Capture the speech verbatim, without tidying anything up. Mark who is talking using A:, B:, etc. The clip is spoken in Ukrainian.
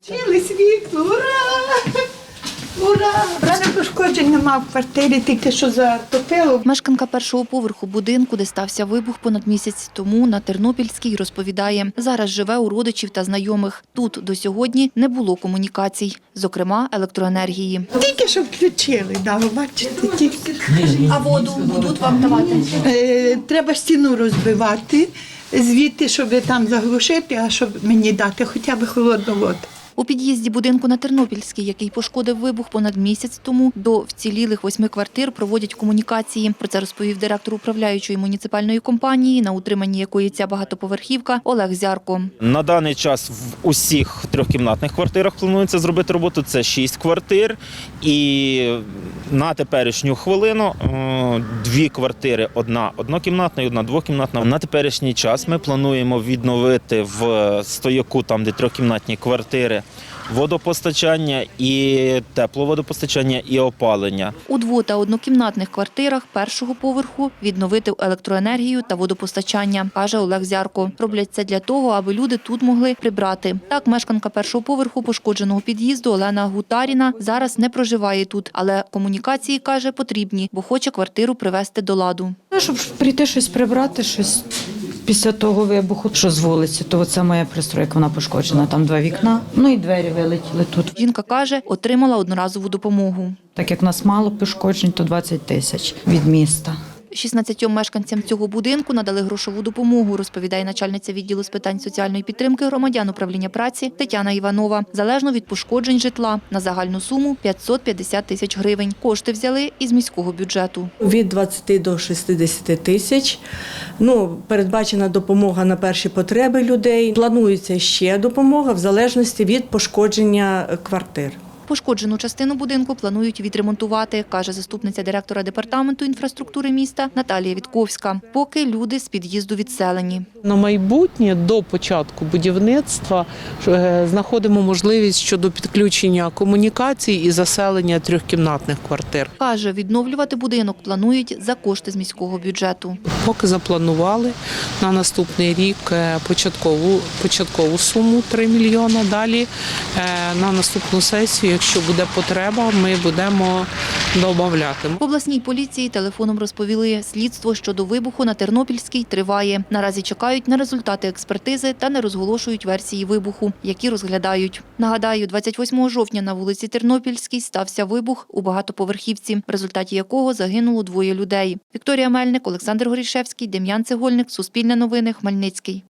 A: Чили світло, ура! Ура! Мене пошкоджень нема в квартирі, тільки що затопило.
B: Мешканка першого поверху будинку, де стався вибух понад місяць тому на Тернопільській, розповідає, зараз живе у родичів та знайомих. Тут до сьогодні не було комунікацій, зокрема електроенергії.
A: Тільки що включили, да, ви бачите, тільки.
B: А воду будуть вам давати?
A: Е, треба стіну розбивати, звідти, щоб там заглушити, а щоб мені дати хоча б холодну воду.
B: У під'їзді будинку на Тернопільській, який пошкодив вибух понад місяць тому, до вцілілих восьми квартир проводять комунікації. Про це розповів директор управляючої муніципальної компанії, на утриманні якої ця багатоповерхівка, Олег Зярко.
C: На даний час в усіх трьохкімнатних квартирах планується зробити роботу. Це шість квартир. І на теперішню хвилину дві квартири, одна однокімнатна і одна двокімнатна. На теперішній час ми плануємо відновити в Стояку, там де трьохкімнатні квартири, водопостачання і тепловодопостачання і опалення.
B: У дво- та однокімнатних квартирах першого поверху відновити електроенергію та водопостачання, каже Олег Зярко. Роблять це для того, аби люди тут могли прибрати. Так, мешканка першого поверху пошкодженого під'їзду Олена Гутаріна зараз не проживає тут, але комунікації, каже, потрібні, бо хоче квартиру привести до ладу.
D: Щоб прийти щось прибрати, щось після того вибуху, що з вулиці, то це моя пристройка, вона пошкоджена, там два вікна, ну і двері вилетіли тут.
B: Жінка каже, отримала одноразову допомогу.
D: Так як в нас мало пошкоджень, то двадцять тисяч від міста.
B: шістнадцятьом мешканцям цього будинку надали грошову допомогу, розповідає начальниця відділу з питань соціальної підтримки громадян управління праці Тетяна Іванова. Залежно від пошкоджень житла на загальну суму п'ятсот п'ятдесят тисяч гривень. Кошти взяли із міського бюджету.
E: Від двадцяти до шістдесяти тисяч. Ну, передбачена допомога на перші потреби людей. Планується ще допомога в залежності від пошкодження квартир.
B: Пошкоджену частину будинку планують відремонтувати, каже заступниця директора департаменту інфраструктури міста Наталія Вітковська, поки люди з під'їзду відселені.
F: На майбутнє до початку будівництва знаходимо можливість щодо підключення комунікацій і заселення трьохкімнатних квартир.
B: Каже, відновлювати будинок планують за кошти з міського бюджету.
F: Поки запланували на наступний рік початкову, початкову суму три мільйони, далі на наступну сесію, якщо буде потреба, ми будемо додавати.
B: В обласній поліції телефоном розповіли, слідство щодо вибуху на Тернопільській триває. Наразі чекають на результати експертизи та не розголошують версії вибуху, які розглядають. Нагадаю, двадцять восьмого жовтня на вулиці Тернопільській стався вибух у багатоповерхівці, в результаті якого загинуло двоє людей. Вікторія Мельник, Олександр Горішевський, Дем'ян Цегольник, Суспільне новини, Хмельницький.